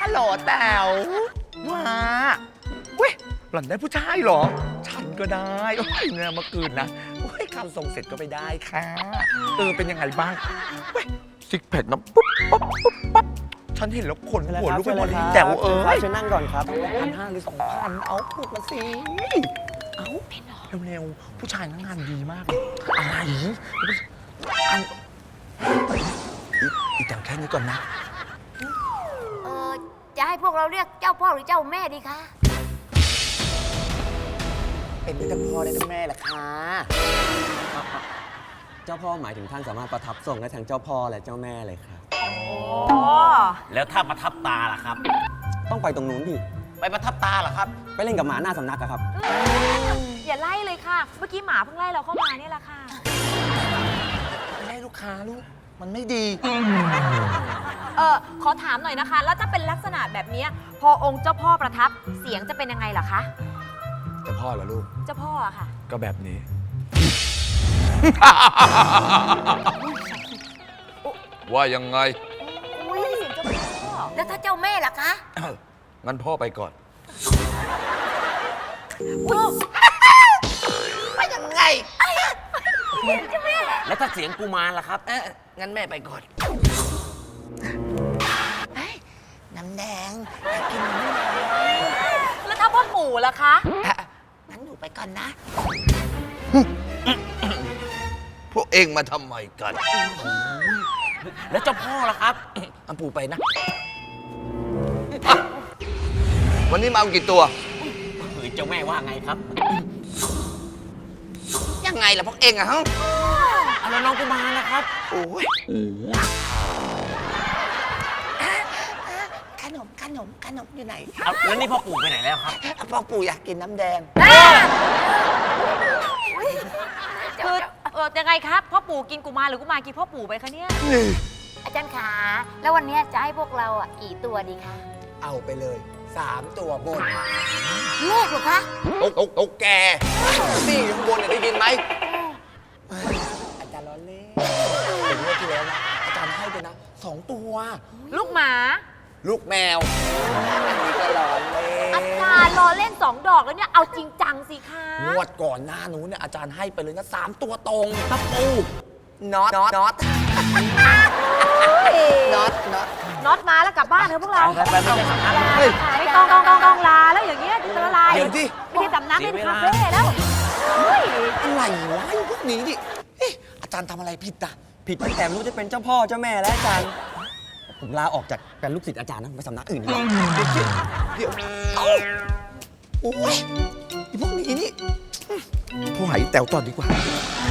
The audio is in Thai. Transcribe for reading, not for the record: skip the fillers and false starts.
ฮัลโหลแต๋วมาเว้ยหล่อนได้ผู้ชายเหรอฉันก็ได้โอ้ยเนี่ยเมื่อคืนนะโอ้ยคำส่งเสร็จก็ไปได้ค่ะเป็นยังไงบ้างเว้ยซิกแพคนะปุ๊บปั๊บปุ๊บปั๊บฉันเห็นแล้วขนหัวลุกไปหมดเลยแต๋วเชิญนั่งก่อนครับ 1,500หรือ2,000เอาพูดมาสิเอาเร็วๆผู้ชายงานดีมากเลยอะไรอีกแต่แค่นี้ก่อนนะจะให้พวกเราเรียกเจ้าพ่อหรือเจ้าแม่ดีคะเป็นได้ทั้งพ่อได้ทั้งแม่แหละค่ะเจ้าพ่อหมายถึงท่านสามารถประทับทรงได้ทั้งเจ้าพ่อและเจ้าแม่เลยครับแล้วถ้าประทับตาล่ะครับต้องไปตรงนู้นดิไปประทับตาล่ะครับไปเล่นกับหมาหน้าสำนักอะครับอย่าไล่เลยค่ะ เมื่อกี้หมาเพิ่งไล่เราเข้ามาเนี่ยแหละค่ะไม่ได้ลูกค้าลูกมันไม่ดีขอถามหน่อยนะคะ แล้วถ้าเป็นลักษณะแบบนี้พอองค์เจ้าพ่อประทับเสียงจะเป็นยังไงล่ะคะจะพ่อเหรอลูกเจ้าพ่ออะค่ะก็แบบนี้ ว่ายังไงอุ้ยเสียงเจ้าพ่อแล้วถ้าเจ้าแม่ล่ะคะงั้นพ่อไปก่อนว่ายังไงเจ้าแม่แล้วถ้าเสียงกุมารล่ะครับงั้นแม่ไปก่อนน้ำแดงอยากกินน้ำแดงแล้วถ้าพ่อปู่ล่ะคะงั้นหนูไปก่อนนะพวกเองมาทำไมกันแล้วเจ้าพ่อล่ะครับอันปู่ไปนะ วันนี้มาเอากี่ตัวเฮ้ยเจ้าแม่ว่าไงครับยังไงล่ะพวกเองอะฮะเอาแล้วน้องกุมารนะครับโอ้ยขนมอยู่ไหนเอาแล้วนี่พ่อปู่ไปไหนแล้วครับพ่อปู่อยากกินน้ำแดงคือยังไงครับพ่อปู่กินกุมารหรือกุมารกินพ่อปู่ไปคะเนี่ยอาจารย์ขาแล้ววันนี้จะให้พวกเรากี่ตัวดีคะเอาไปเลย3 ตัวบนเลขเหรอคะตกแกนี่ข้างบนเนี่ยได้ยินไหมอาจารย์ล้อเล่นเป็นเมื่อที่แล้วนะอาจารย์ให้ไปนะ2 ตัวลูกหมาลูกแมวอันนี้ก็ล้อเล่นอาจารย์รอเล่น2 ดอกแล้วเนี่ยเอาจริงจังสิคะงวดก่อนหน้านู้นเนี่ยอาจารย์ให้ไปเลยนะ3 ตัวตรงตะปูน็อตน็อตน็อตมาแล้วกลับบ้านเถอะพวกเราไปไม่ได้สำนักไม่ต้องลาแล้วอย่างเงี้ยจะละลายเดี๋ยวที่ไม่ใช่สำนักเป็นคาเฟ่แล้วเฮ้ยอะไรวะไอ้พวกนี้ดิเอ๊ะอาจารย์ทำอะไรผิดอ่ะผิดตั้งแต่ไม่รู้จะเป็นเจ้าพ่อเจ้าแม่และอาจารย์ ผมลาออกจากเป็นลูกศิษย์อาจารย์นะไปสำนักอื่นดีกว่าเดี๋ยวเอ้าโอ้ยไอ้พวกนี้นี่โทรหาไอ้แต๋วต่อดีกว่าอ